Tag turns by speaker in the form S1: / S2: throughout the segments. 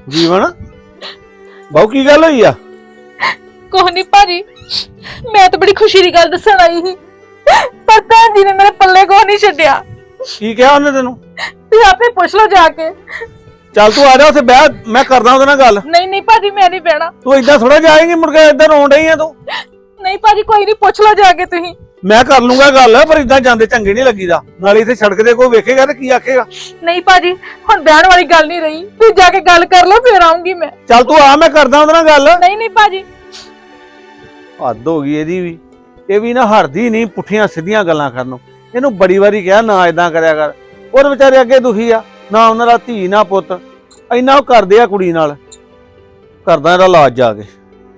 S1: ਜੀਵਨ ਬਹੁ ਕੀ ਗੱਲ ਹੋਈ ਆ?
S2: ਕੁਛ ਨਹੀਂ ਭਾਜੀ, ਮੈਂ ਤਾਂ ਬੜੀ ਖੁਸ਼ੀ ਦੀ ਗੱਲ ਦੱਸਣ ਆਈ ਸੀ, ਪਰ ਭੈਣ ਜੀ ਨੇ ਮੇਰੇ ਪੱਲੇ ਕੁਛ ਨਹੀਂ ਛੱਡਿਆ।
S1: ਕੀ ਕਿਹਾ ਉਹਨੇ ਤੈਨੂੰ?
S2: ਤੁਸੀਂ ਆਪੇ ਪੁੱਛ ਲਓ ਜਾ ਕੇ।
S1: ਚੱਲ ਤੂੰ ਆ ਜਾ ਉੱਥੇ ਬਹਿ, ਮੈਂ ਕਰਦਾ ਉਹਦੇ ਨਾਲ ਗੱਲ।
S2: ਨਹੀਂ ਨਹੀਂ ਭਾਜੀ, ਮੈਂ ਨਹੀਂ ਬਹਿਣਾ।
S1: ਤੂੰ ਏਦਾਂ ਥੋੜਾ ਜਾਏਂਗੀ, ਮੁੜ ਕੇ ਏਦਾਂ ਰੋਣ ਡਈ ਆ ਤੂੰ।
S2: ਨਹੀਂ ਭਾਜੀ, ਕੋਈ ਨਹੀਂ, ਪੁੱਛ ਲਓ ਜਾ ਕੇ ਤੁਸੀਂ।
S1: ਮੈਂ ਕਰ ਲੂੰਗਾ ਗੱਲ, ਪਰ ਏਦਾਂ ਜਾਂਦੇ ਚੰਗੇ ਨਹੀਂ ਲੱਗੀਦਾ। ਨਾਲੇ ਇੱਥੇ ਸੜਕ ਤੇ ਕੋਈ ਵੇਖੇਗਾ ਤੇ ਕੀ ਆਖੇਗਾ?
S2: ਨਹੀਂ ਭਾਜੀ, ਹੁਣ ਬਹਿਣ ਵਾਲੀ ਗੱਲ ਨਹੀਂ ਰਹੀ, ਤੁਸੀਂ ਜਾ ਕੇ ਗੱਲ ਕਰ ਲਓ, ਫੇਰ ਆਉਂਗੀ ਮੈਂ।
S1: ਚੱਲ ਤੂੰ ਆ, ਮੈਂ ਕਰਦਾ ਉਹਦੇ ਨਾਲ ਗੱਲ।
S2: ਨਹੀਂ ਨਹੀਂ ਭਾਜੀ,
S1: ਹੱਦ ਹੋ ਗਈ ਇਹਦੀ ਵੀ। ਇਹ ਵੀ ਨਾ ਹਰਦੀ ਨਹੀਂ ਪੁੱਠੀਆਂ ਸਿੱਧੀਆਂ ਗੱਲਾਂ ਕਰਨੋਂ। ਇਹਨੂੰ ਬੜੀ ਵਾਰੀ ਕਿਹਾ ਨਾ ਏਦਾਂ ਕਰਿਆ ਕਰ। ਉਹ ਵਿਚਾਰੇ ਅੱਗੇ ਦੁਖੀ ਆ, ਨਾ ਉਹਨਾਂ ਦਾ ਧੀ ਨਾ ਪੁੱਤ। ਇੰਨਾ ਉਹ ਕਰਦੇ ਆ ਕੁੜੀ ਨਾਲ। ਕਰਦਾ ਇਹਦਾ ਇਲਾਜ ਜਾ ਕੇ।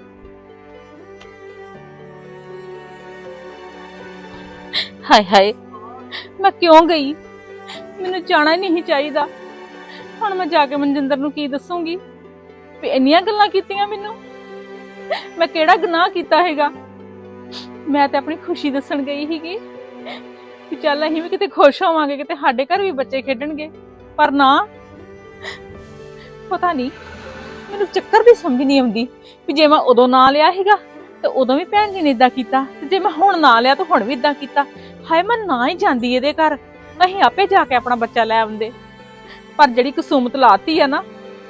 S2: ਹਾਏ ਹਾਏ, ਮੈਂ ਕਿਉਂ ਗਈ? ਮੈਨੂੰ ਜਾਣਾ ਹੀ ਨਹੀਂ ਚਾਹੀਦਾ। ਹੁਣ ਮੈਂ ਜਾ ਕੇ ਮਨਜਿੰਦਰ ਨੂੰ ਕੀ ਦੱਸੂਗੀ ਵੀ ਇੰਨੀਆਂ ਗੱਲਾਂ ਕੀਤੀਆਂ ਮੈਨੂੰ? ਮੈਂ ਕਿਹੜਾ ਗੁਨਾਹ ਕੀਤਾ ਹੈਗਾ? ਮੈਂ ਤੇ ਆਪਣੀ ਖੁਸ਼ੀ ਦੱਸਣ ਗਈ ਸੀਗੀ ਕਿ ਚੱਲ ਅਸੀਂ ਵੀ ਕਿਤੇ ਖੁਸ਼ ਹੋਵਾਂਗੇ, ਕਿਤੇ ਸਾਡੇ ਘਰ ਵੀ ਬੱਚੇ ਖੇਡਣਗੇ। ਪਰ ਨਾ, ਪਤਾ ਨਹੀਂ ਮੈਨੂੰ ਚੱਕਰ ਦੀ ਸਮਝ ਨਹੀਂ ਆਉਂਦੀ ਵੀ ਜੇ ਮੈਂ ਉਦੋਂ ਨਾ ਲਿਆ ਸੀਗਾ ਤੇ ਉਦੋਂ ਵੀ ਭੈਣ ਜੀ ਨੇ ਇਦਾਂ ਕੀਤਾ, ਤੇ ਜੇ ਮੈਂ ਹੁਣ ਨਾ ਲਿਆ ਤਾਂ ਹੁਣ ਵੀ ਇਦਾਂ ਕੀਤਾ। ਹਾਏ, ਮੈਂ ਨਾ ਹੀ ਜਾਂਦੀ ਇਹਦੇ ਘਰ, ਅਸੀਂ ਆਪੇ ਜਾ ਕੇ ਆਪਣਾ ਬੱਚਾ ਲੈ ਆਉਂਦੇ। ਪਰ ਜਿਹੜੀ ਕਸੂਮਤ ਲਾਤੀ ਆ ਨਾ।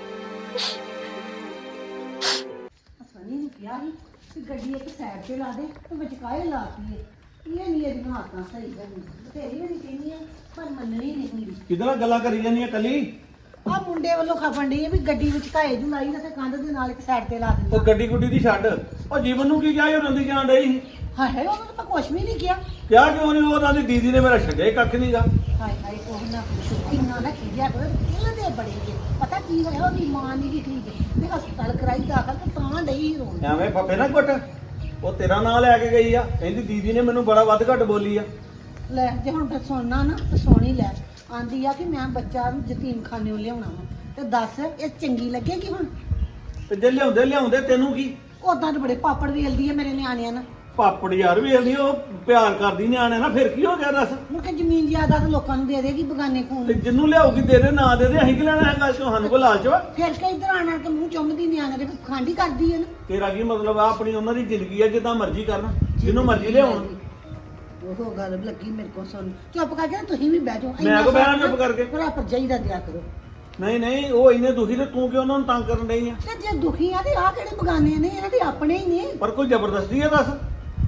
S3: ਸਨੀ ਨੂੰ ਕਿਹਾ ਸੀ ਕਿ ਗੱਡੀ ਇੱਕ ਸਾਈਡ ਤੇ ਲਾ ਦੇ ਤੇ ਵਿਚਕਾਏ ਲਾਤੀ ਏ। ਇਹ ਨਹੀਂ ਇਹਦੀਆਂ ਹਾਤਾਂ ਸਹੀ ਕਰਨੀ। ਬਥੇਰੀ ਵਾਰੀ ਕਹਿੰਦੀ ਆ, ਪਰ ਮੰਨਣੀ ਨਹੀਂ ਹੁੰਦੀ।
S1: ਕਿਹਦੇ ਨਾਲ ਗੱਲਾਂ ਕਰੀ ਜਾਂਦੀਆਂ ਕੱਲੀ?
S3: ਆ ਮੁੰਡੇ ਵੱਲੋਂ ਖਪਣ ਡਈ ਆ ਵੀ ਗੱਡੀ ਵਿਚਕਾਏ ਜੂ ਲਾਈ ਨਾ ਤੇ ਕੰਧ ਦੇ ਨਾਲ ਇੱਕ ਸਾਈਡ ਤੇ ਲਾ
S1: ਉਹ
S3: ਦਿੰਦਾ।
S1: ਗੱਡੀ ਗੁੱਡੀ ਦੀ ਛੱਡ। ਉਹ ਜੀਵਨ ਨੂੰ ਕੀ ਕਿਹਾ? ਉਹ ਰੰਦੀ ਜਾਣ ਡਈ ਸੀ।
S3: ਹਾਏ ਹਾਏ, ਉਹਨੂੰ ਤਾਂ ਕੁਛ ਵੀ ਨਹੀਂ ਕਿਹਾ।
S1: ਕਿਹਾ ਕਿਉਂ ਨਹੀਂ? ਉਹਨਾਂ ਦੀ ਦੀਦੀ ਨੇ ਮੇਰਾ ਛੱਡਿਆ ਹੀ ਕੱਖ ਨਹੀਂਗਾ।
S3: ਹਾਏ ਹਾਏ, ਉਹ ਨਾ ਪੁੱਛੋ, ਇੰਨਾ ਨਾ ਖਿਜਿਆ ਕਰੋ। ਇਹਨਾਂ ਦੇ ਬੜੇ ਜੇ ਪਤਾ ਕੀ ਹੋਇਆ, ਉਹਦੀ ਮਾਂ ਨਹੀਂ ਦੀ ਠੀਕ ਤੇ ਹਸਪਤਾਲ ਕਰਾਈ ਦਾਖਲ ਤੇ ਤਾਂ ਡਈ ਰੋਣ।
S1: ਐਵੇਂ ਫੱਫੇ ਨਾ ਕੁੱਟ। ਉਹ ਤੇਰਾ ਨਾਂ ਲੈ ਕੇ ਗਈ ਆ, ਕਹਿੰਦੀ ਦੀਦੀ ਨੇ ਮੈਨੂੰ ਬੜਾ ਵੱਧ ਘੱਟ ਬੋਲੀ ਆ।
S3: ਲੈ ਜੇ ਹੁਣ ਫਿਰ ਸੁਣਨਾ ਨਾ ਤੇ ਸੋਣੀ ਲੈ। ਆਂਦੀ ਆ ਕਿ ਮੈਂ ਬੱਚਾ ਨੂੰ ਯਤੀਮਖਾਨਿਓਂ ਲਿਆਉਣਾ ਵਾ, ਤੇ ਦੱਸ ਇਹ ਚੰਗੀ ਲੱਗੇਗੀ ਹੁਣ?
S1: ਤੇ ਜੇ ਲਿਆਉਂਦੇ ਤੈਨੂੰ ਕੀ?
S3: ਉਦਾਂ ਤਾਂ ਬੜੇ ਪਾਪੜ ਵੇਲਦੀ ਆ ਮੇਰੇ ਨਿਆਣਿਆਂ ਨਾਲ।
S1: ਪਾਪੜ ਯਾਰ ਵੇਲਦੀ, ਉਹ ਪਿਆਰ ਕਰਦੀ ਨਿਆਣੇ ਨਾਲ। ਫਿਰ ਕੀ ਹੋ ਗਿਆ ਦੱਸ?
S3: ਮੁੜ ਕੇ ਜ਼ਮੀਨ ਜਾਇਦਾਦ ਲੋਕਾਂ ਨੂੰ ਦੇ ਦੇਗੀ ਬਗਾਨੇ
S1: ਤੇ
S3: ਖੂਨ।
S1: ਜਿੰਨੂੰ ਲਿਆਉਗੀ ਦੇ ਦੇ, ਨਾ ਦੇ ਦੇ, ਅਸੀਂ ਕੀ ਲੈਣਾ ਹੈਗਾ? ਸਾਨੂੰ ਕੋ ਲਾਲਚ ਵਾ?
S3: ਫਿਰ ਕਈ ਇੱਧਰ ਆਣ ਕੇ ਮੂੰਹ ਚੁੰਮਦੀ ਨਿਆਣੇ ਦੇ ਖਾਂਡੀ ਕਰਦੀ ਹੈ ਨਾ।
S1: ਤੇਰਾ ਕੀ ਮਤਲਬ ਆ? ਆਪਣੀ ਉਹਨਾਂ ਦੀ ਜ਼ਿੰਦਗੀ ਆ, ਜਿੱਦਾਂ ਮਰਜ਼ੀ ਕਰਨ, ਜਿਹਨੂੰ ਮਰਜ਼ੀ ਲਿਆਉਣ।
S3: ਉਹ ਗੱਲ ਲੱਗੀ ਮੇਰੇ ਕੋਲ ਸੁਣ। ਚੁੱਪ ਕਰਕੇ ਨਾ ਤੁਸੀਂ ਵੀ ਬਹਿ ਜਾਓ।
S1: ਮੈਂ ਕੋ ਬਹਿਣਾ ਚੁੱਪ ਕਰਕੇ?
S3: ਭਰਾ ਭਰਜਾਈ ਦਾ ਦਿਆ ਕਰੋ।
S1: ਨਹੀਂ, ਉਹ ਇੰਨੇ ਦੁਖੀ ਤੇ ਤੂੰ ਕਿਉਂ ਉਹਨਾਂ ਨੂੰ ਤੰਗ ਕਰਨ ਡਈ ਆ?
S3: ਤੇ ਜੇ ਦੁਖੀ ਆ ਤੇ ਆ ਕਿਹੜੇ ਬਗਾਨੇ ਨੇ? ਇਹਨਾਂ ਦੇ ਆਪਣੇ ਹੀ ਨੇ।
S1: ਪਰ ਕੋਈ ਜ਼ਬਰਦਸਤੀ ਆ ਦੱਸ?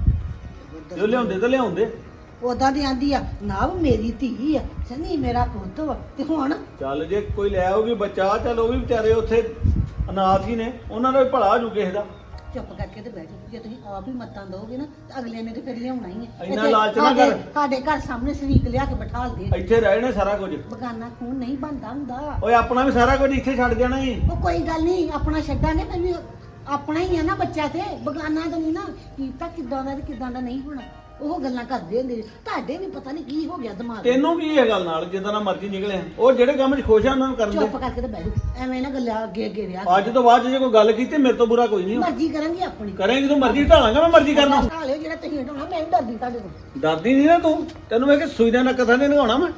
S1: ਜੋ ਲਿਆਉਂਦੇ ਤਾਂ ਲਿਆਉਂਦੇ।
S3: ਉਦਾਂ ਦੀ ਆਂਦੀ ਆ ਨਾ ਮੇਰੀ ਧੀ ਆ, ਸਨੀ ਮੇਰਾ ਪੁੱਤ ਵਾ। ਤੇ ਹੁਣ
S1: ਚੱਲ ਜੇ ਕੋਈ ਲੈ ਆਊਗੀ ਬੱਚਾ, ਚੱਲ ਉਹ ਵੀ ਵਿਚਾਰੇ ਉੱਥੇ ਅਨਾਥ ਹੀ ਨੇ, ਉਹਨਾਂ ਦਾ ਵੀ ਭਲਾ ਹੋ ਜੂ ਕਿਸੇ ਦਾ।
S3: ਚੁੱਪ ਕਰਕੇ ਤੇ ਬਹਿ ਜਾਓ। ਜੇ ਤੁਸੀਂ ਆਪ ਹੀ ਮੱਤਾਂ ਦੋਗੇ ਨਾ ਤੇ ਅਗਲੇ ਨੇ ਤੇ ਫਿਰ ਲਿਆਉਣਾ ਹੀ ਹੈ।
S1: ਇੰਨਾ ਲਾਲਚ ਨਾ ਕਰ।
S3: ਸਾਡੇ ਘਰ ਸਾਹਮਣੇ ਸਰੀਕ ਲਿਆ ਕੇ ਬਿਠਾ ਦੇ।
S1: ਇੱਥੇ ਰਹਿ ਜਾਣਾ ਸਾਰਾ ਕੁਝ।
S3: ਬਗਾਨਾ ਖੂਨ ਨਹੀਂ ਬਣਦਾ ਹੁੰਦਾ।
S1: ਓਏ ਆਪਣਾ ਵੀ ਸਾਰਾ ਕੁਝ ਇੱਥੇ ਛੱਡ ਜਾਣਾ ਹੀ।
S3: ਉਹ ਕੋਈ ਗੱਲ ਨਹੀਂ, ਆਪਣਾ ਛੱਡਾਂਗੇ ਫਿਰ ਵੀ ਆਪਣਾ ਹੀ ਆ ਨਾ ਬੱਚਾ। ਤੇ ਬਗਾਨਾ ਤਾਂ ਨਹੀਂ ਨਾ ਕੀਤਾ। ਕਿੱਦਾਂ ਦਾ ਤੇ ਕਿੱਦਾਂ ਦਾ ਨਹੀਂ ਹੋਣਾ। ਉਹ ਗੱਲਾਂ ਕਰਦੇ ਹੁੰਦੇ ਨੇ। ਤੁਹਾਡੇ ਵੀ ਪਤਾ ਨਹੀਂ ਕੀ ਹੋ ਗਿਆ ਦਿਮਾਗ।
S1: ਤੈਨੂੰ ਕੀ ਇਹ ਗੱਲ ਨਾਲ? ਜਿੱਦਾਂ ਦਾ ਮਰਜ਼ੀ ਨਿਕਲਿਆ, ਉਹ ਜਿਹੜੇ ਕੰਮ 'ਚ ਖੁਸ਼ ਆ ਉਹਨਾਂ ਨੂੰ ਕਰਨ ਦੇ।
S3: ਚੁੱਪ ਕਰਕੇ ਤੇ ਬਹਿ ਜਾਓ। ਐਵੇਂ ਨਾ ਗੱਲਾਂ ਅੱਗੇ ਅੱਗੇ ਰਿਹਾ।
S1: ਅੱਜ ਤੋਂ ਬਾਅਦ ਜੇ ਕੋਈ ਗੱਲ ਕੀਤੀ ਮੇਰੇ ਤੋਂ ਬੁਰਾ ਕੋਈ ਨਹੀਂ।
S3: ਮਰਜ਼ੀ ਕਰਾਂਗੀ ਆਪਣੀ।
S1: ਕਰੇਂਗੀ ਤੂੰ ਮਰਜ਼ੀ ਢਾਲਾਂਗਾ, ਮੈਂ ਮਰਜ਼ੀ ਕਰਨਾ।
S3: ਢਾਲਿਓ ਜਿਹੜਾ ਤੁਸੀਂ ਢਾਉਣਾ। ਮੈਂ ਵੀ ਡਰਦੀ ਤੁਹਾਡੇ ਤੋਂ।
S1: ਡਰਦੀ ਨਹੀਂ ਨਾ ਤੂੰ? ਤੈਨੂੰ ਮੈਂ ਕਿ ਸੂਈ ਦਾ ਨੱਕ ਥਾਂ ਨਹੀਂ ਨਗਾਉਣਾ ਮੈਂ।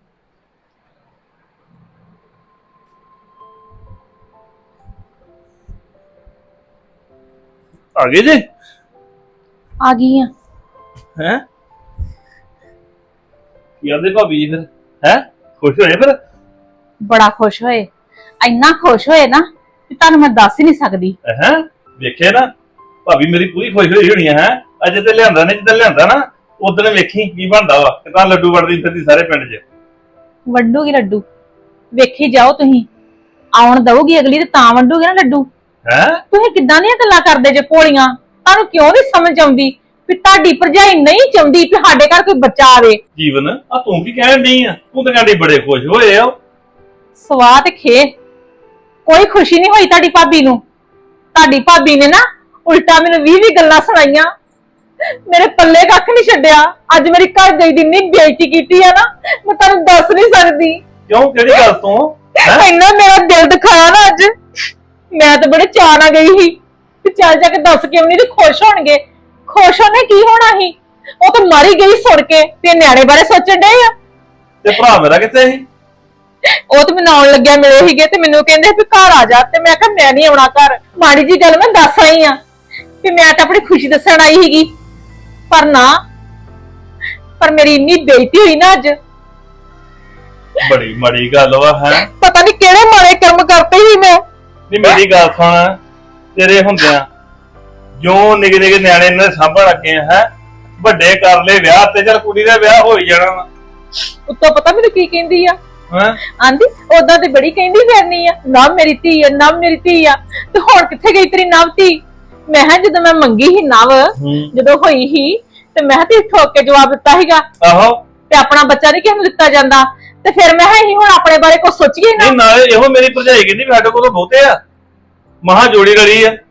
S1: ਆ ਗਏ ਜੇ?
S2: ਆ ਗਈ ਆ।
S1: ਹੈ
S4: ਕੀ ਆਂਦੇ ਭਾਬੀ ਜੀ? ਫਿਰ ਹੈ ਖੁਸ਼ ਹੋਏ? ਫਿਰ
S2: ਬੜਾ ਖੁਸ਼ ਹੋਏ, ਇੰਨਾ ਖੁਸ਼ ਹੋਏ ਨਾ ਕਿ ਤੁਹਾਨੂੰ ਮੈਂ ਦੱਸ ਹੀ ਨਹੀਂ ਸਕਦੀ।
S4: ਹੈ ਵੇਖਿਆ ਨਾ, ਭਾਬੀ ਮੇਰੀ ਪੂਰੀ ਖੁਸ਼ ਹੋਈ ਹੋਣੀ ਹੈ। ਅਜੇ ਤੇ ਲਿਆਂਦਾ ਨਹੀਂ, ਜਿੱਦਾਂ ਲਿਆਂਦਾ ਨਾ ਉਦੋਂ ਵੇਖੀ ਕੀ ਬਣਦਾ ਵਾ। ਕਿਦਾਂ ਲੱਡੂ ਵੜਦੀ ਫਿਰਦੀ ਸਾਰੇ ਪਿੰਡ 'ਚ।
S2: ਵੰਡੂਗੀ ਲੱਡੂ, ਵੇਖੀ ਜਾਓ ਤੁਸੀਂ। ਆਉਣ ਦਊਗੀ ਅਗਲੀ ਤੇ ਤਾਂ ਵੰਡੂਗੀ ਨਾ ਲੱਡੂ।
S4: ਹੈ
S2: ਤੁਸੀਂ ਕਿੱਦਾਂ ਦੀਆਂ ਗੱਲਾਂ ਕਰਦੇ ਜੇ ਭੋਲੀਆਂ? ਤੁਹਾਨੂੰ ਕਿਉਂ ਨਹੀਂ ਸਮਝ ਆਉਂਦੀ ਵੀ ਤੁਹਾਡੀ ਭਰਜਾਈ ਨਹੀਂ ਚਾਹੁੰਦੀ ਕਿ ਸਾਡੇ ਘਰ ਕੋਈ ਬੱਚਾ ਆਵੇ?
S4: ਜੀਵਨ ਆ ਤੂੰ ਕੀ ਕਹਿਣ ਡਈ ਆ? ਤੂੰ ਤਾਂ ਕਹਿੰਦੀ ਬੜੇ ਖੁਸ਼ ਹੋਏ ਆ।
S2: ਸਵਾਹ ਤੇ ਖੇ ਕੋਈ ਖੁਸ਼ੀ ਨਹੀਂ ਹੋਈ ਤੁਹਾਡੀ ਭਾਬੀ ਨੂੰ। ਤੁਹਾਡੀ ਭਾਬੀ ਨੇ ਨਾ ਉਲਟਾ ਮੈਨੂੰ 20 ਗੱਲਾਂ ਸੁਣਾਈਆਂ। ਮੇਰੇ ਪੱਲੇ ਕੱਖ ਨਹੀਂ ਛੱਡਿਆ। ਅੱਜ ਮੇਰੀ ਘਰ ਗਈ ਦੀ ਇੰਨੀ ਬੇਇੱਜ਼ਤੀ ਕੀਤੀ ਆ ਨਾ, ਮੈਂ ਤੁਹਾਨੂੰ ਦੱਸ ਨਹੀਂ ਸਕਦੀ।
S4: ਕਿਉਂ? ਕਿਹੜੀ ਗੱਲ ਤੋਂ?
S2: ਇੰਨਾ ਮੇਰਾ ਦਿਲ ਦਿਖਾਇਆ ਨਾ ਅੱਜ। ਮੈਂ ਤਾਂ ਬੜੇ ਚਾਅ ਨਾਲ ਗਈ ਸੀ ਤੇ ਚੱਲ ਜਾ ਕੇ ਦੱਸ ਕੇ ਉਹਨੇ ਤੇ ਖੁਸ਼ ਹੋਣਗੇ। ਖੁਸ਼ ਹੋਣੇ ਕੀ ਹੋਣਾ ਸੀ? ਉਹ ਤਾਂ ਮਾਰੀ ਗਈ ਸੁਣ ਕੇ ਤੇ ਨਿਆਣੇ ਬਾਰੇ ਸੋਚਣ ਡਏ ਆ।
S4: ਤੇ ਭਰਾ ਮੇਰਾ ਕਿੱਥੇ ਸੀ?
S2: ਉਹ ਤੇ ਮੈਨੂੰ ਆਉਣ ਲੱਗਿਆ ਮਿਲੇ ਸੀਗੇ ਤੇ ਮੈਨੂੰ ਕਹਿੰਦੇ ਵੀ ਘਰ ਆ ਜਾ, ਤੇ ਮੈਂ ਕਿਹਾ ਮੈਂ ਨਹੀਂ ਆਉਣਾ ਘਰ। ਮਾੜੀ ਜੀ ਗੱਲ ਮੈਂ ਦੱਸ ਆਈ ਆ ਕਿ ਮੈਂ ਤਾਂ ਆਪਣੀ ਖੁਸ਼ੀ ਦੱਸਣ ਆਈ ਸੀਗੀ, ਪਰ ਮੇਰੀ ਇੰਨੀ ਬੇਇੱਜ਼ਤੀ ਹੋਈ ਨਾ ਅੱਜ।
S4: ਬੜੀ ਮਾੜੀ ਗੱਲ ਵਾ ਹੈ।
S2: ਪਤਾ ਨਹੀਂ ਕਿਹੜੇ ਮਾੜੇ ਕਰਮ ਕਰਤੇ ਸੀ ਮੈਂ।
S4: ਨਹੀਂ ਮੇਰੀ ਗੱਲ ਸੁਣ, ਤੇਰੇ ਹੁੰਦਿਆਂ ਜੋ ਨਿੱਕੇ ਨਿੱਕੇ ਨਿਆਣੇ ਇਹਨਾਂ ਦੇ ਸਾਂਭਣ ਲੱਗੇ ਹੈ, ਵੱਡੇ ਕਰ ਲਏ ਵਿਆਹ ਤੇ ਚੱਲ ਕੁੜੀ ਦਾ ਵਿਆਹ ਹੋ ਹੀ ਜਾਣਾ ਵਾ।
S2: ਉੱਤੋਂ ਪਤਾ ਮੈਨੂੰ ਕੀ ਕਹਿੰਦੀ ਆ,
S4: ਹੈਂ?
S2: ਆਂਦੀ ਉਦਾਂ ਤੇ ਬੜੀ ਕਹਿੰਦੀ ਫਿਰਨੀ ਆ, ਨਾ ਮੇਰੀ ਧੀ ਆ, ਨਾ ਮੇਰੀ ਧੀ ਆ, ਤੇ ਹੁਣ ਕਿੱਥੇ ਗਈ ਤੇਰੀ ਨਵ ਧੀ? ਮੈਂ ਕਿਹਾ ਜਦੋਂ ਮੈਂ ਮੰਗੀ ਸੀ ਨਵ, ਜਦੋਂ ਹੋਈ ਸੀ ਤੇ ਮੈਂ ਤੇ ਠੋਕ ਕੇ ਜਵਾਬ ਦਿੱਤਾ ਸੀਗਾ
S4: ਆਹੋ
S2: ਤੇ ਆਪਣਾ ਬੱਚਾ ਨਹੀਂ ਕਿਸੇ ਨੂੰ ਦਿੱਤਾ ਜਾਂਦਾ, ਤੇ ਫਿਰ ਮੈਂ ਕਿਹਾ ਅਸੀਂ ਹੁਣ ਆਪਣੇ ਬਾਰੇ ਕੁਝ ਸੋਚੀਏ ਨਾ।
S4: ਨਹੀਂ ਨਾਲੇ ਇਹੋ ਮੇਰੀ ਭਰਜਾਈ ਕਹਿੰਦੀ ਵੀ ਸਾਡੇ ਕੋਲ ਤਾਂ ਬਹੁਤੇ ਆ, ਮਹਾ ਜੋੜੀ ਰਲੀ ਆ।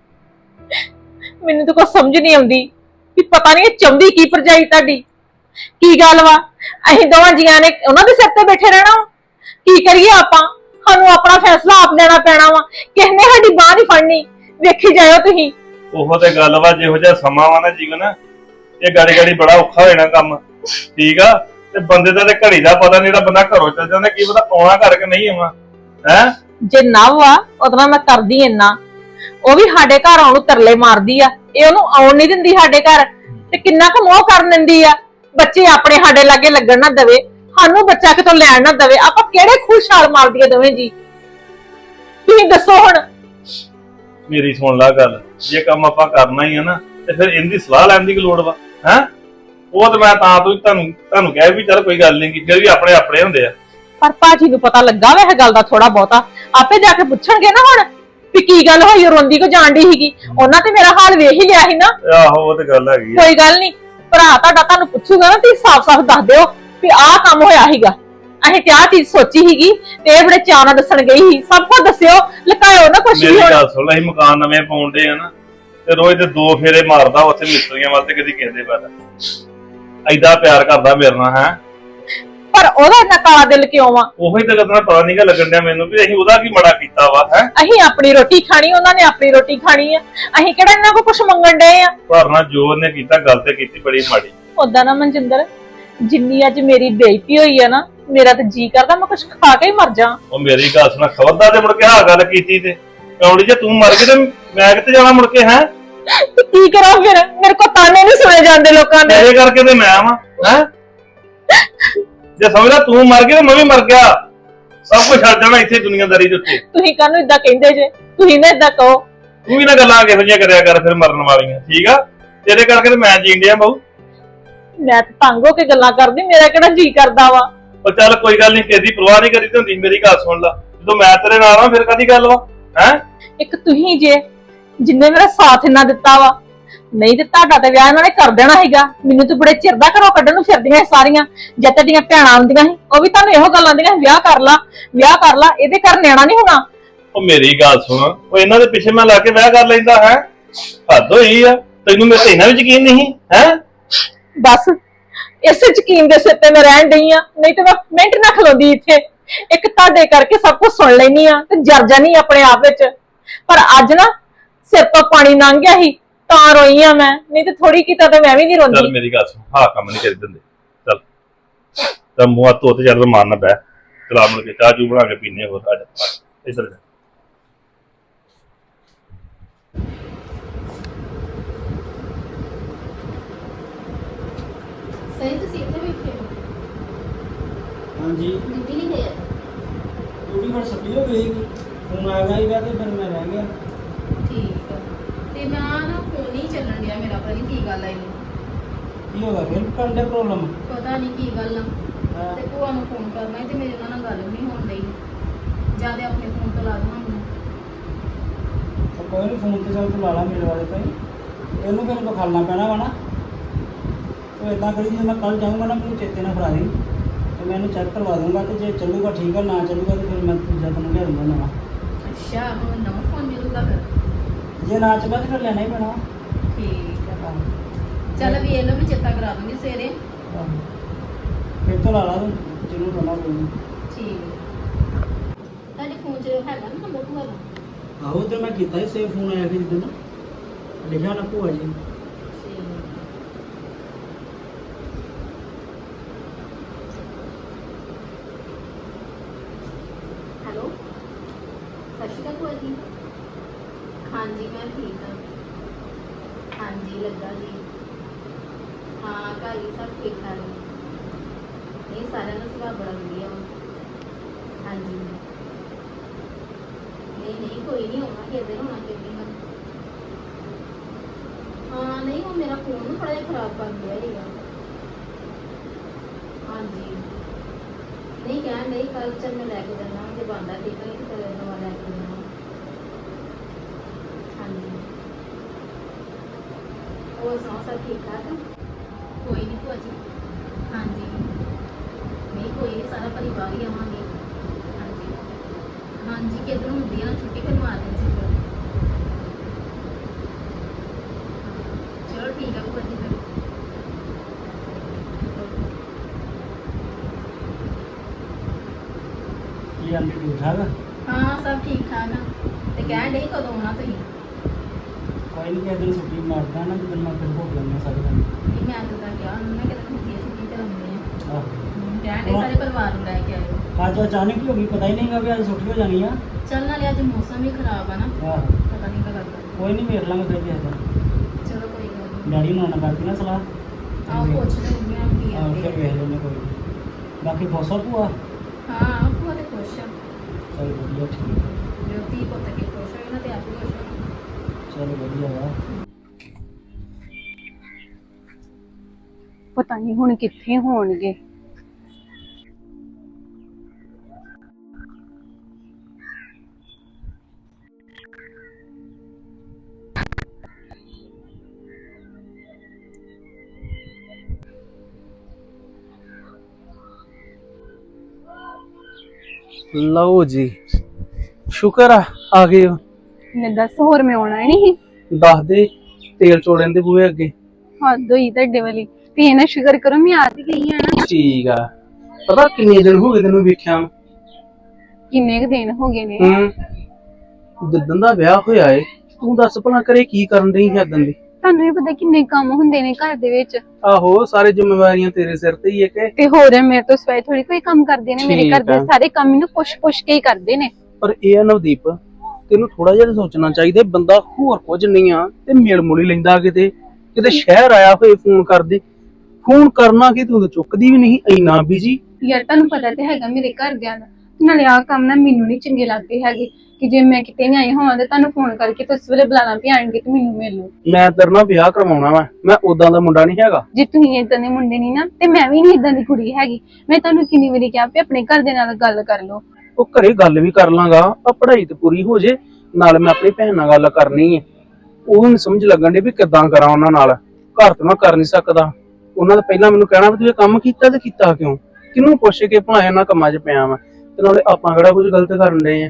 S2: ਮੈਨੂੰ ਤਾਂ ਕੁਝ ਸਮਝ ਨਹੀਂ ਆਉਂਦੀ ਵੀ ਪਤਾ ਨਹੀਂ ਇਹ ਚਾਹੁੰਦੀ ਕੀ ਭਰਜਾਈ ਤੁਹਾਡੀ, ਕੀ ਗੱਲ ਵਾ? ਅਸੀਂ ਦੋਵਾਂ ਜੀਆਂ ਨੇ ਉਹਨਾਂ ਦੇ ਸਿਰ ਤੇ ਬੈਠੇ ਰਹਿਣਾ ਵਾ? ਕੀ ਕਰੀਏ ਆਪਾਂ? ਸਾਨੂੰ ਆਪਣਾ ਫੈਸਲਾ ਆਪ ਲੈਣਾ ਪੈਣਾ ਵਾ, ਕਿਸੇ ਨੇ ਸਾਡੀ ਬਾਹ ਨਹੀਂ ਫੜਨੀ। ਵੇਖੀ ਜਾਇਓ ਤੁਸੀਂ।
S4: ਉਹੋ ਤੇ ਗੱਲ ਵਾ, ਜਿਹੋ ਜਿਹਾ ਸਮਾਂ ਵਾ ਨਾ ਜੀਵਨ, ਇਹ ਗਾੜੀ ਗਾੜੀ ਬੜਾ ਔਖਾ ਹੋ ਜਾਣਾ ਕੰਮ। ਠੀਕ ਆ, ਤੇ ਬੰਦੇ ਦਾ ਤੇ ਘੜੀ ਦਾ ਪਤਾ ਨਹੀਂ, ਜਿਹੜਾ ਬੰਦਾ ਘਰੋਂ ਚੱਲ ਜਾਂਦਾ ਕੀ ਪਤਾ ਆਉਣਾ ਕਰਕੇ ਨਹੀਂ ਆਉਣਾ ਹੈ। ਜੇ
S2: ਨਵ ਆ ਉਹਦਾ ਮੈਂ ਕਰਦੀ ਇੰਨਾ, ਉਹ ਵੀ ਸਾਡੇ ਘਰ ਆਉਣ ਨੂੰ ਤਰਲੇ ਮਾਰਦੀ ਆ, ਇਹ ਉਹਨੂੰ ਆਉਣ ਨਹੀਂ ਦਿੰਦੀ ਸਾਡੇ ਘਰ, ਤੇ ਕਿੰਨਾ ਕੁ ਮੋਹ ਕਰਨ ਦਿੰਦੀ ਆ। ਬੱਚੇ ਆਪਣੇ ਸਾਡੇ ਲਾਗੇ ਲੱਗਣ ਨਾ ਦਵੇ, ਸਾਨੂੰ ਬੱਚਾ ਕਿਤੋਂ ਲੈਣ ਨਾ ਦਵੇ, ਆਪਾਂ ਕਿਹੜੇ ਖੁਸ਼ਹਾਲ ਮਾਰਦੀ ਆ ਦੋਵੇਂ ਜੀ? ਤੁਸੀਂ ਦੱਸੋ ਹੁਣ।
S4: ਮੇਰੀ ਸੁਣ ਲਾ ਗੱਲ, ਜੇ ਕੰਮ ਆਪਾਂ ਕਰਨਾ ਹੀ ਆ ਨਾ ਤੇ ਫਿਰ ਇਹਦੀ ਸਲਾਹ ਲੈਣ ਦੀ ਕੀ ਲੋੜ ਵਾ ਹੈ? ਉਹ ਤੇ ਮੈਂ ਤਾਂ ਤੁਹਾਨੂੰ ਕਹਿ ਵੀ ਚੱਲ ਕੋਈ ਗੱਲ ਨਹੀਂ, ਫਿਰ ਵੀ ਆਪਣੇ ਆਪਣੇ ਹੁੰਦੇ ਆ।
S2: ਪਰ ਭਾਜੀ ਨੂੰ ਪਤਾ ਲੱਗਾ ਵਾ ਇਹ ਗੱਲ ਦਾ ਥੋੜਾ ਬਹੁਤਾ, ਆਪੇ ਜਾ ਕੇ ਪੁੱਛਣਗੇ ਨਾ ਹੁਣ ਵੀ ਕੀ ਗੱਲ ਹੋਈ, ਰੋਂਦੀ ਕੋ ਜਾਣਦੀ ਸੀਗੀ। ਉਹਨਾਂ ਤੇ ਮੇਰਾ ਹਾਲ ਵੇਖ ਹੀ ਲਿਆ ਸੀ ਨਾ।
S4: ਆਹੋ ਉਹ ਤੇ ਗੱਲ ਹੈਗੀ ਆ।
S2: ਕੋਈ ਗੱਲ ਨਹੀਂ, ਭਰਾ ਤੁਹਾਡਾ ਤੁਹਾਨੂੰ ਪੁੱਛੂਗਾ ਨਾ ਤੁਸੀਂ ਸਾਫ਼-ਸਾਫ਼ ਦੱਸ ਦਿਓ ਵੀ ਆਹ ਕੰਮ ਹੋਇਆ ਸੀਗਾ, ਅਸੀਂ ਤੇ ਆਹ ਚੀਜ਼ ਸੋਚੀ ਸੀਗੀ, ਤੇ ਇਹ ਬੜੇ ਚਾਅ ਨਾਲ ਦੱਸਣ ਗਈ ਸੀ। ਸਭ ਕੁਝ ਦੱਸਿਓ, ਲੁਕਾਇਓ ਨਾ ਕੁਛ ਵੀ।
S4: ਮੇਰੀ
S2: ਹੁਣ
S4: ਗੱਲ ਸੁਣ, ਅਸੀਂ ਮਕਾਨ ਨਵੇਂ ਪਾਉਂਦੇ ਆ ਨਾ, ਤੇ ਰੋਜ਼ ਦੇ 2 ਫੇਰੇ ਮਾਰਦਾ ਉੱਥੇ ਮਿਸਤਰੀਆਂ ਵੱਲ, ਤੇ ਕਦੀ ਕਿਸੇ ਵੱਲ। ਐਡਾ ਪਿਆਰ ਕਰਦਾ ਮੇਰੇ ਨਾਲ ਹੈ,
S2: ਪਰ ਉਹਦਾ ਇੰਨਾ ਕਾਲਾ ਦਿਲ ਕਿਉਂ ਆ?
S4: ਉਹੀ ਤਾਂ ਗੱਲਾਂ ਪਤਾ ਨਹੀਂਗਾ ਲੱਗਣ ਡਿਆ ਮੈਨੂੰ ਵੀ ਅਸੀਂ ਉਹਦਾ ਕੀ ਮਾੜਾ ਕੀਤਾ ਵਾ ਹੈ।
S2: ਅਸੀਂ ਆਪਣੀ ਰੋਟੀ ਖਾਣੀ, ਉਹਨਾਂ ਨੇ ਆਪਣੀ ਰੋਟੀ ਖਾਣੀ ਆ, ਅਸੀਂ ਕਿਹੜਾ ਇਹਨਾਂ ਕੋ ਕੁਝ ਮੰਗਣ ਡਏ ਆ?
S4: ਪਰ ਨਾ ਜੋ ਉਹਨੇ ਕੀਤਾ ਗੱਲ ਤੇ ਕੀਤੀ ਬੜੀ ਮਾੜੀ।
S2: ਉਦਾਂ ਨਾ ਮਨਜਿੰਦਰ, ਜਿੰਨੀ ਅੱਜ ਮੇਰੀ ਬੇਇੱਜ਼ਤੀ ਹੋਈ ਆ ਨਾ, ਮੇਰਾ ਤਾਂ ਜੀ ਕਰਦਾ ਮੈਂ ਕੁਝ ਖਾ ਕੇ ਹੀ ਮਰ ਜਾ।
S4: ਉਹ ਮੇਰੀ ਗੱਲ ਸੁਣਾ, ਖਬਰਦਾਰ ਤੇ ਮੁੜ ਕੇ ਆਹ ਗੱਲ ਕੀਤੀ ਤੇ ਕੌੜੀ ਜੇ ਤੂੰ ਮਰ ਗਈ ਤੇ ਮੈਂ ਕਿੱਥੇ ਜਾਣਾ ਮੁੜ ਕੇ ਹੈ?
S2: ਤੇ ਕੀ ਕਰਾਂ ਫਿਰ? ਮੇਰੇ ਕੋ ਤਾਨੇ ਨਹੀਂ ਸੁਣੇ ਜਾਂਦੇ ਲੋਕਾਂ ਦੇ।
S4: ਮੇਰੇ ਕਰਕੇ ਤੇ ਮੈਂ ਆਵਾਂ ਹੈ? ਜੇ ਸਮਝਦਾ ਤੂੰ ਮਰ ਗਈ ਤੇ ਮੈਂ ਵੀ ਮਰ ਗਿਆ, ਸਭ ਕੁਝ ਛੱਡ ਜਾਣਾ ਇੱਥੇ ਦੁਨੀਆਦਾਰੀ ਦੇ ਉੱਤੇ।
S2: ਤੁਸੀਂ ਕਾਹਨੂੰ ਇਦਾਂ ਕਹਿੰਦੇ ਜੇ? ਤੁਸੀਂ ਨਾ ਇਦਾਂ ਕਹੋ।
S4: ਤੂੰ ਵੀ ਨਾ ਗੱਲਾਂ ਕਿਹੋ ਜਿਹੀਆਂ ਕਰਿਆ ਕਰ ਫਿਰ ਮਰਨ ਵਾਲੀਆਂ, ਠੀਕ ਆ? ਤੇਰੇ ਕਰਕੇ ਤੇ ਮੈਂ ਜੀਣ ਡਿਆ ਬਾਊ।
S2: ਮੈਂ ਤਾਂ ਤੰਗ ਹੋ ਕੇ ਗੱਲਾਂ ਕਰਦੀ, ਮੇਰਾ ਕਿਹੜਾ ਜੀ ਕਰਦਾ ਵਾ?
S4: ਉਹ ਚੱਲ ਕੋਈ ਗੱਲ ਨਹੀਂ, ਕਿਸੇ ਦੀ ਪਰਵਾਹ ਨਹੀਂ ਕਰੀਦੀ ਹੁੰਦੀ। ਮੇਰੀ ਗੱਲ ਸੁਣ ਲਾ, ਜਦੋਂ ਮੈਂ ਤੇਰੇ ਨਾਲ ਆ ਫਿਰ ਕਾਹਦੀ ਗੱਲ ਵਾ ਹੈ? ਇੱਕ
S2: ਤੁਸੀਂ ਜੇ ਜਿੰਨੇ ਮੇਰਾ ਸਾਥ ਇੰਨਾ ਦਿੱਤਾ ਵਾ, ਨਹੀਂ ਤੇ ਤੁਹਾਡਾ ਤੇ ਵਿਆਹ ਇਹਨਾਂ ਨੇ ਕਰ ਦੇਣਾ ਸੀਗਾ। ਮੈਨੂੰ ਤਾਂ ਬੜੇ ਚਿਰ ਦਾ ਘਰੋਂ ਕੱਢਣ ਨੂੰ ਫਿਰਦੀਆਂ ਸਾਰੀਆਂ। ਜਦ ਤੁਹਾਡੀਆਂ ਭੈਣਾਂ ਆਉਂਦੀਆਂ ਸੀ ਉਹ ਵੀ ਤੁਹਾਨੂੰ ਇਹੋ ਗੱਲ ਆਉਂਦੀਆਂ, ਵਿਆਹ ਕਰ ਲਾ, ਵਿਆਹ ਕਰ ਲਾ, ਇਹਦੇ ਘਰ ਨਿਆਣਾ ਨਹੀਂ ਹੋਣਾ।
S4: ਉਹ ਮੇਰੀ ਗੱਲ ਸੁਣ, ਉਹ ਇਹਨਾਂ ਦੇ ਪਿੱਛੇ ਮੈਂ ਲਾ ਕੇ ਵਿਆਹ ਕਰ ਲੈਂਦਾ ਹੈ? ਹੱਦ ਹੋਈ ਆ, ਤੈਨੂੰ ਮੇਰੇ ਤੇ ਇਹਨਾਂ ਵੀ ਯਕੀਨ ਨਹੀਂ ਹੈ?
S2: ਬਸ ਇਸੇ ਯਕੀਨ ਦੇ ਸਿਰ ਤੇ ਮੈਂ ਰਹਿਣ ਡਈ ਆ, ਨਹੀਂ ਤੇ ਮੈਂ ਮਿੰਟ ਨਾ ਖਲੋਂਦੀ ਇੱਥੇ। ਇੱਕ ਤੁਹਾਡੇ ਕਰਕੇ ਸਭ ਕੁਝ ਸੁਣ ਲੈਣੀ ਆ ਤੇ ਜਰ ਜਾਨੀ ਆਪਣੇ ਆਪ ਵਿੱਚ। ਪਰ ਅੱਜ ਨਾ ਸਿਰ ਤੋਂ ਪਾਣੀ ਲੰਘ ਗਿਆ ਸੀ ਤਾਂ ਰੋਈ ਆ ਮੈਂ, ਨਹੀਂ ਤੇ ਥੋੜੀ ਕੀਤਾ ਤੇ ਮੈਂ ਵੀ ਨਹੀਂ ਰੋਂਦੀ।
S4: ਚੱਲ ਮੇਰੀ ਗੱਲ ਸੁਣ, ਹਾਂ ਕੰਮ ਨਹੀਂ ਕਰੀ ਦਿੰਦੇ। ਚੱਲ ਤਾਂ ਮੂੰਹ ਹੱਥ ਧੋ ਤੇ ਚੱਲ ਮਾਰਨਾ ਬੈ, ਚਲਾ ਮੁੜ ਕੇ ਚਾਹ ਚੂ ਬਣਾ ਕੇ ਪੀਨੇ ਹੋਰ। ਆ ਜਾ ਇੱਧਰ ਜਾ।
S3: ਸਹੀ ਤੁਸੀਂ ਇੱਥੇ ਬੈਠੇ ਹੋ?
S5: ਹਾਂਜੀ
S3: ਡਿਊਟੀ ਨਹੀਂ ਗਏ?
S5: ਡਿਊਟੀ ਫਿਰ ਛੁੱਟੀ ਹੋ ਗਈ, ਫੋਨ ਆ ਗਿਆ ਸੀਗਾ ਤੇ ਫਿਰ ਮੈਂ ਰਹਿ ਗਿਆ।
S3: ਠੀਕ ਆ, ਤੇ ਮੈਂ ਨਾ ਫੋਨ ਹੀ ਚੱਲਣ ਡਿਆ ਮੇਰਾ, ਪਤਾ ਨਹੀਂ ਕੀ ਗੱਲ ਆ ਇਹਨੂੰ।
S5: ਕੀ ਹੋ ਗਿਆ ਫਿਰ ਕਰਨ ਦੇ ਪ੍ਰੋਬਲਮ?
S3: ਪਤਾ ਨਹੀਂ ਕੀ ਗੱਲ ਆ। ਤੇ ਭੂਆ ਨੂੰ ਫੋਨ ਕਰਨਾ ਸੀ ਤੇ ਮੇਰੇ ਉਹਨਾਂ ਨਾਲ ਗੱਲ ਵੀ ਨਹੀਂ ਹੋਣ ਡਈ। ਜਾਂ ਤੇ ਆਪਣੇ ਫੋਨ ਤੋਂ ਲਾ ਦੇਣਾ ਮੈਨੂੰ।
S5: ਕੋਈ ਨਹੀਂ, ਫੋਨ ਤੇ ਚੱਲ ਤੂੰ ਲਾ ਲਾ ਮੇਰੇ ਵਾਲੇ ਤੋਂ ਹੀ। ਇਹਨੂੰ ਫਿਰ ਵਿਖਾਲਣਾ ਪੈਣਾ ਵਾ ਨਾ। ਉਹ ਇਦਾਂ ਕਰੀ, ਜੇ ਮੈਂ ਕੱਲ ਜਾਊਂਗਾ ਨਾ ਮੈਨੂੰ ਚੇਤੇ ਨਾਲ ਫੜਾ ਦੇ, ਤੇ ਮੈਂ ਇਹਨੂੰ ਚੈੱਕ ਕਰਵਾ ਦੂੰਗਾ, ਤੇ ਜੇ ਚੱਲੂਗਾ ਠੀਕ ਆ, ਨਾ ਚੱਲੂਗਾ ਤੇ ਫਿਰ ਮੈਂ ਦੂਜਾ ਤੈਨੂੰ ਲਿਆ ਦੂੰਗਾ ਨਵਾਂ।
S3: ਅੱਛਾ, ਹੁਣ ਨਵਾਂ ਫੋਨ ਮਿਲੂਗਾ ਫਿਰ?
S5: ਜੇ ਨਾ ਚੱਲਿਆ ਤੇ ਫਿਰ ਲੈਣਾ ਹੀ ਪੈਣਾ।
S3: ਠੀਕ ਆ, ਚੱਲ ਵੀ ਇਹ ਲੋ, ਮੈਂ ਚੇਤਾ ਕਰਾ ਦੂੰਗੀ ਸਵੇਰੇ।
S5: ਫਿਰ ਤੋਂ ਲਾ ਲਾ ਤੂੰ, ਜਿਹਨੂੰ ਕਰਨਾ ਕੋਈ ਨਹੀਂ।
S3: ਠੀਕ। ਤੁਹਾਡੇ ਫੋਨ 'ਚ ਹੈਗਾ ਨਾ ਨੰਬਰ ਭੂਆ ਦਾ?
S5: ਆਹੋ ਤੇ ਮੈਂ ਕੀਤਾ ਹੀ ਸੇਵ, ਫੋਨ ਆਇਆ ਸੀ ਜਿੱਦਣ ਲਿਖਿਆ ਨਾ ਭੂਆ ਜੀ।
S6: ਜੀ ਹਾਂਜੀ ਮੈਂ ਠੀਕ ਹਾਂ ਹਾਂਜੀ ਲੱਗਾ ਜੀ ਹਾਂ ਘਰ ਵੀ ਸਭ ਠੀਕ ਠਾਕ ਨੇ ਨਹੀਂ ਸਾਰਿਆਂ ਦਾ ਸੁਭਾਅ ਬੜਾ ਵਧੀਆ ਵਾ ਹਾਂਜੀ ਨਹੀਂ ਕੋਈ ਨਹੀਂ ਹੋਣਾ ਕਿਤੇ ਹੋਣਾ ਕਿਤੇ ਨਾ ਹਾਂ ਨਹੀਂ ਉਹ ਮੇਰਾ ਫੋਨ ਨੂੰ ਥੋੜਾ ਜਿਹਾ ਖਰਾਬ ਕਰ ਗਿਆ ਹੈਗਾ ਹਾਂਜੀ ਨਹੀਂ ਕਹਿਣ ਨਹੀਂ ਕੱਲ ਚੱਲ ਮੈਂ ਲੈ ਕੇ ਜਾਣਾ ਜੇ ਬੰਦਾ ਠੀਕ ਨਹੀਂ ਤੇ ਫਿਰ ਨਵਾਂ ਲੈ ਕੇ ਜਾਣਾ ਹਾਂਜੀ ਹੋਰ ਸੁਣਾਓ ਸਭ ਠੀਕ ਠਾਕ ਕੋਈ ਨਹੀਂ ਭੂਆ ਜੀ ਹਾਂਜੀ ਨਹੀਂ ਕੋਈ ਨਹੀਂ ਸਾਰਾ ਪਰਿਵਾਰ ਹੀ ਆਵਾਂਗੇ ਹਾਂਜੀ ਹਾਂਜੀ ਕਿੱਧਰੋਂ ਹੁੰਦੀ ਹੈ ਨਾ ਛੁੱਟੀ ਫਿਰ ਮਾਰ ਦੇ ਸੀ ਚਲੋ ਠੀਕ ਹੈ ਭੂਆ ਜੀ ਫਿਰ
S5: ਕੀ ਆਂਟੀ ਠੀਕ ਠਾਕ ਆ?
S6: ਹਾਂ ਸਭ ਠੀਕ ਠਾਕ ਆ ਤੇ ਕਹਿਣ ਡਈ ਕਦੋਂ ਆਉਣਾ ਤੁਸੀਂ
S5: ਕੋਈ ਨਹੀਂ ਕਿਸੇ ਦਿਨ ਛੁੱਟੀ ਮਾਰਦਾ ਨਾ ਜਦੋਂ ਮੈਂ ਫਿਰ ਭੋਗ ਲੈਂਦਾ ਸਾਰੇ ਦਿਨ
S6: ਨਹੀਂ ਮੈਂ ਤਾਂ ਕਿਹਾ ਉਹਨਾਂ ਨੇ ਕਿਤੇ ਹੁੰਦੀ ਹੈ ਛੁੱਟੀ ਤੇ ਆਉਂਦੇ ਆ
S5: ਆਹ
S6: ਕਹਿਣ ਡਈ ਸਾਰੇ ਪਰਿਵਾਰ ਨੂੰ ਲੈ ਕੇ ਆਇਓ
S5: ਅੱਜ ਅਚਾਨਕ ਹੀ ਹੋ ਗਈ ਪਤਾ ਹੀ ਨਹੀਂਗਾ ਵੀ ਅੱਜ ਛੁੱਟੀ ਹੋ ਜਾਣੀ ਆ
S6: ਚੱਲ ਨਾਲੇ ਅੱਜ ਮੌਸਮ ਵੀ ਖਰਾਬ ਆ ਨਾ
S5: ਆਹ
S6: ਪਤਾ ਨਹੀਂ ਕਦ ਲੱਗਦਾ
S5: ਕੋਈ ਨਹੀਂ ਵੇਖ ਲਾਂਗੇ ਫਿਰ ਕਿਸੇ ਦਿਨ
S6: ਚਲੋ ਕੋਈ ਗੱਲ ਨਹੀਂ
S5: ਡੈਡੀ ਨੂੰ ਆਉਣਾ ਕਰਦੀ ਨਾ ਸਲਾਹ
S6: ਆਓ ਪੁੱਛ ਲੈ ਮੰਮੀ ਨਾਲ ਕੀ
S5: ਆਹ ਫਿਰ
S6: ਆਂਦੇ
S5: ਵੇਖ ਲੈਂਦੇ ਕੋਈ ਨੀ। ਬਾਕੀ ਬੋਸਾ ਭੂਆ
S6: ਹਾਂ ਭੂਆ ਤੇ ਖੁਸ਼ ਆ
S5: ਚਲ ਵਧੀਆ ਠੀਕ ਆ।
S6: ਵਿਅਕਤੀ ਪੁੱਤ ਕੇ ਖੁਸ਼ ਹੋਏ ਨਾ ਤੇ ਆਪ ਵੀ ਖੁਸ਼ ਹੋਣਾ
S5: ਚਲ ਵਧੀਆ ਵਾ
S2: ਪਤਾ ਨਹੀਂ ਹੁਣ ਕਿੱਥੇ ਹੋਣਗੇ।
S7: ਲਓ ਜੀ ਸ਼ੁਕਰ ਆ ਗਏ ਹੋ।
S2: ਨੇ ਦੱਸ ਹੋਰ ਮੈਂ ਆਉਣਾ ਨਹੀਂ
S7: ਦੱਸ ਦੇ ਤੇਲ ਚੋੜਨ ਦੇ ਬੂਹੇ ਅੱਗੇ
S2: ਹੱਦ ਹੋਈ ਤੁਹਾਡੇ ਵਾਲੀ ਤੇ ਇਹ ਨਾ ਸ਼ੁਕਰ ਕਰੋ ਮੈਂ ਆ ਤੇ ਗਈ ਆ ਨਾ।
S7: ਠੀਕ ਆ ਪਤਾ ਕਿੰਨੇ ਦਿਨ ਹੋ ਗਏ ਤੈਨੂੰ ਵੇਖਿਆ ਨੂੰ?
S2: ਕਿੰਨੇ ਕੁ ਦਿਨ ਹੋ ਗਏ ਨੇ
S7: ਜਿੱਦਣ ਦਾ ਵਿਆਹ ਹੋਇਆ ਏ ਤੂੰ ਦੱਸ ਭਲਾ ਕਰੇ ਕੀ ਕਰਨ ਰਹੀ ਹੈ ਦਿਨ ਦੀ?
S2: ਤੁਹਾਨੂੰ ਵੀ ਪਤਾ ਕਿੰਨੇ ਕੰਮ ਹੁੰਦੇ ਨੇ ਘਰ ਦੇ ਵਿੱਚ
S7: ਆਹੋ ਸਾਰੇ ਜ਼ਿੰਮੇਵਾਰੀਆਂ ਤੇਰੇ ਸਿਰ ਤੇ ਹੀ ਏ ਕਿ
S2: ਤੇ ਹੋਰ ਮੇਰੇ ਤੋਂ ਸਵਾਈ ਥੋੜੀ ਕੋਈ ਕੰਮ ਕਰਦੇ ਨੇ ਮੇਰੇ
S7: ਠੀਕ
S2: ਘਰ ਦੇ
S7: ਆ।
S2: ਸਾਰੇ ਕੰਮ ਮੈਨੂੰ ਪੁੱਛ ਕੇ ਹੀ ਕਰਦੇ ਨੇ।
S7: ਪਰ ਇਹ ਆ ਨਵਦੀਪ ਤੈਨੂੰ ਥੋੜਾ ਜਿਹਾ ਸੋਚਣਾ ਚਾਹੀਦਾ ਬੰਦਾ ਹੋਰ ਕੁਝ ਨਹੀਂ ਆ ਤੇ ਮੇਲ ਮੋਲੀ ਲੈਂਦਾ ਕਿਤੇ ਸ਼ਹਿਰ ਆਇਆ ਹੋਏ ਫੋਨ ਕਰਦੇ ਫੋਨ ਕਰਨਾ ਕਿ ਤੂੰ ਤਾਂ ਚੁੱਕਦੀ ਵੀ ਨਹੀਂ ਇੰਨਾ ਬਿਜੀ।
S2: ਯਾਰ ਤੁਹਾਨੂੰ ਪਤਾ ਤੇ ਹੈਗਾ ਮੇਰੇ ਘਰਦਿਆਂ ਦਾ ਨਾਲੇ ਆਹ ਕੰਮ ਨਾ ਮੈਨੂੰ ਨਹੀਂ ਚੰਗੇ ਲੱਗਦੇ ਹੈਗੇ ਕਿ ਜੇ ਮੈਂ ਕਿਤੇ ਨਹੀਂ ਆਈ ਹੋਵਾਂ ਤੇ ਤੁਹਾਨੂੰ ਫੋਨ ਕਰਕੇ ਤੇ ਉਸ ਵੇਲੇ ਬੁਲਾਣਾ ਵੀ ਆਣਗੇ ਤੇ ਮੈਨੂੰ ਮਿਲ ਲਓ।
S7: ਮੈਂ ਤੇਰੇ ਨਾਲ ਵਿਆਹ ਕਰਵਾਉਣਾ ਵਾ ਮੈਂ ਉਦਾਂ ਦਾ ਮੁੰਡਾ ਨਹੀਂ ਹੈਗਾ।
S2: ਜੇ ਤੁਸੀਂ ਇਦਾਂ ਦੇ ਮੁੰਡੇ ਨਹੀਂ ਨਾ ਤੇ ਮੈਂ ਵੀ ਨਹੀਂ ਇਦਾਂ ਦੀ ਕੁੜੀ ਹੈਗੀ। ਮੈਂ ਤੁਹਾਨੂੰ ਕਿੰਨੀ ਵਾਰੀ ਕਿਹਾ ਵੀ ਆਪਣੇ ਘਰ ਦੇ ਨਾਲ ਗੱਲ ਕਰ ਲਓ।
S7: ਉਹ ਘਰੇ ਗੱਲ ਵੀ ਕਰ ਲਾਂਗਾ ਆ ਪੜ੍ਹਾਈ ਤੇ ਪੂਰੀ ਹੋ ਜੇ ਨਾਲ ਮੈਂ ਆਪਣੀ ਭੈਣ ਨਾਲ ਗੱਲ ਕਰਨੀ ਹੈ। ਉਹ ਨਹੀਂ ਸਮਝ ਲੱਗਣ ਦੀ ਵੀ ਕਿੱਦਾਂ ਕਰਾਂ ਉਹਨਾਂ ਨਾਲ ਘਰ ਤੇ ਮੈਂ ਕਰ ਨਹੀਂ ਸਕਦਾ। ਉਹਨਾਂ ਦਾ ਪਹਿਲਾਂ ਮੈਨੂੰ ਕਹਿਣਾ ਵੀ ਤੂੰ ਇਹ ਕੰਮ ਕੀਤਾ ਤੇ ਕੀਤਾ ਕਿਉਂ ਕਿਹਨੂੰ ਪੁੱਛ ਕੇ ਭਲਾ ਇਹਨਾਂ ਕੰਮਾਂ 'ਚ ਪਿਆ ਵਾ ਤੇ ਨਾਲੇ ਆਪਾਂ ਕਿਹੜਾ ਕੁਝ ਗਲਤ ਕਰਨ ਡਏ ਆ।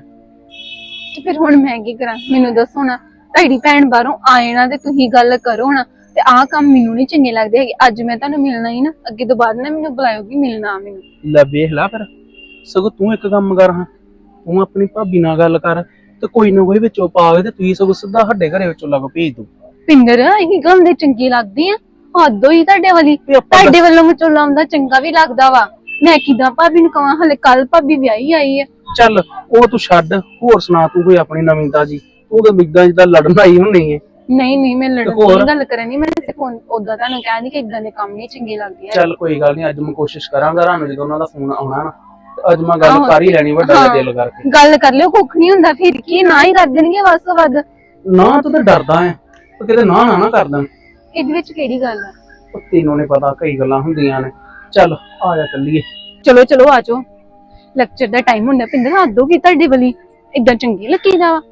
S2: ਤੇ ਫਿਰ ਹੁਣ ਮੈਂ ਕੀ ਕਰਾਂ ਮੈਨੂੰ ਦੱਸੋ ਨਾ। ਤੁਹਾਡੀ ਭੈਣ ਬਾਹਰੋਂ ਆਏ ਨਾ ਤੇ ਤੁਸੀਂ ਗੱਲ ਕਰੋ ਨਾ ਤੇ ਆਹ ਕੰਮ ਮੈਨੂੰ ਨਹੀਂ ਚੰਗੇ ਲੱਗਦੇ ਹੈਗੇ। ਅੱਜ ਮੈਂ ਤੁਹਾਨੂੰ ਮਿਲਣਾ ਹੀ ਨਾ ਅੱਗੇ ਤੋਂ ਬਾਅਦ ਨਾ ਮੈਨੂੰ ਬੁਲਾਇਓਗੀ ਮਿਲਣਾ ਮੈਨੂੰ।
S7: ਲੈ ਵੇਖ ਲਾ ਫਿਰ ਸਗੋਂ ਤੂੰ ਇੱਕ ਕੰਮ ਕਰ ਹਾਂ ਤੂੰ ਆਪਣੀ ਭਾਬੀ ਨਾਲ ਗੱਲ ਕਰ ਤੇ ਕੋਈ ਨਾ ਕੋਈ ਵਿੱਚੋਂ ਪਾ ਕੇ ਤੇ ਤੂੰ ਸਗੋਂ ਸਿੱਧਾ ਸਾਡੇ ਘਰੇ ਵਿੱਚੋਂ ਲੱਗ ਭੇਜ ਦੂ।
S2: ਪਿੰਦਰ ਇਹ ਗੱਲ ਦੇ ਚੰਗੀ ਲੱਗਦੀ ਆ ਹੱਦ ਹੋਈ ਤੁਹਾਡੇ ਵਾਲੀ। ਤੁਹਾਡੇ ਵੱਲੋਂ ਵਿਚੋਲਾ ਆਉਂਦਾ ਚੰਗਾ ਵੀ ਲੱਗਦਾ ਵਾ। ਮੈਂ ਕਿਦਾਂ ਭਾਬੀ ਨੂੰ ਕਵਾਂ ਹਲੇ ਕੱਲ ਭਾਬੀ ਵਿਆਹੀ ਆਈ ਆ।
S7: ਚੱਲ ਉਹ ਤੂੰ ਛੱਡ ਹੋਰ ਸੁਣਾ ਤੂੰ ਕੋਈ ਆਪਣੀ ਨਵੀਂਤਾ ਜੀ ਤੂੰ ਤਾਂ ਮਿੱਦਾਂ ਜਿੱਦਾਂ ਲੜਨ ਆਈ ਹੁੰਨੀ ਹੈ।
S2: ਨਹੀਂ ਮੈਂ ਲੜਨ ਦੀ ਗੱਲ ਕਰਨੀ ਮੈਂ ਸਿਰਫ ਉਦਾਂ ਤੁਹਾਨੂੰ ਕਹਿੰਦੀ ਕਿ ਇਦਾਂ ਦੇ ਕੰਮ ਨਹੀਂ ਚੰਗੇ ਲੱਗਦੇ ਆ।
S7: ਚੱਲ ਕੋਈ ਗੱਲ ਨਹੀਂ ਅੱਜ ਮੈਂ ਕੋਸ਼ਿਸ਼ ਕਰਾਂਗਾ ਰਾਨੂੰ ਜਦੋਂ ਉਹਨਾਂ ਦਾ ਫੋਨ ਆਉਣਾ ਨਾ ਤੇ ਅੱਜ ਮੈਂ ਗੱਲ ਕਰ ਹੀ ਲੈਣੀ ਵੱਡਾ ਜਿਹਾ ਦਿਲ ਕਰਕੇ।
S2: ਗੱਲ ਕਰ ਲਿਓ ਕੁੱਖ ਨਹੀਂ ਹੁੰਦਾ ਫਿਰ ਕੀ ਨਾ ਹੀ ਕਰ ਦੇਣਗੇ ਵੱਧ ਤੋਂ ਵੱਧ।
S7: ਨਾ ਤੂੰ ਤਾਂ ਡਰਦਾ ਹੈ ਉਹ ਕਿਤੇ ਨਾ ਕਰ ਦੇਣ।
S2: ਇਹਦੇ ਵਿੱਚ ਕਿਹੜੀ ਗੱਲ ਆ?
S7: ਉਹ ਤੈਨੂੰ ਨੀ ਪਤਾ ਕਈ ਗੱਲਾਂ ਹੁੰਦੀਆਂ ਨੇ। ਚੱਲ ਆ ਜਾ ਚੱਲੀਏ।
S2: ਚਲੋ ਆ ਜਾਓ ਲੈਕਚਰ ਦਾ ਟਾਈਮ ਹੁੰਦਾ ਪਿੰਦਰ ਹੱਦ ਹੋ ਗਈ ਤੁਹਾਡੇ ਵਾਲੀ। ਇਦਾਂ ਚੰਗੀ ਲੱਗੀਦਾ ਵਾ।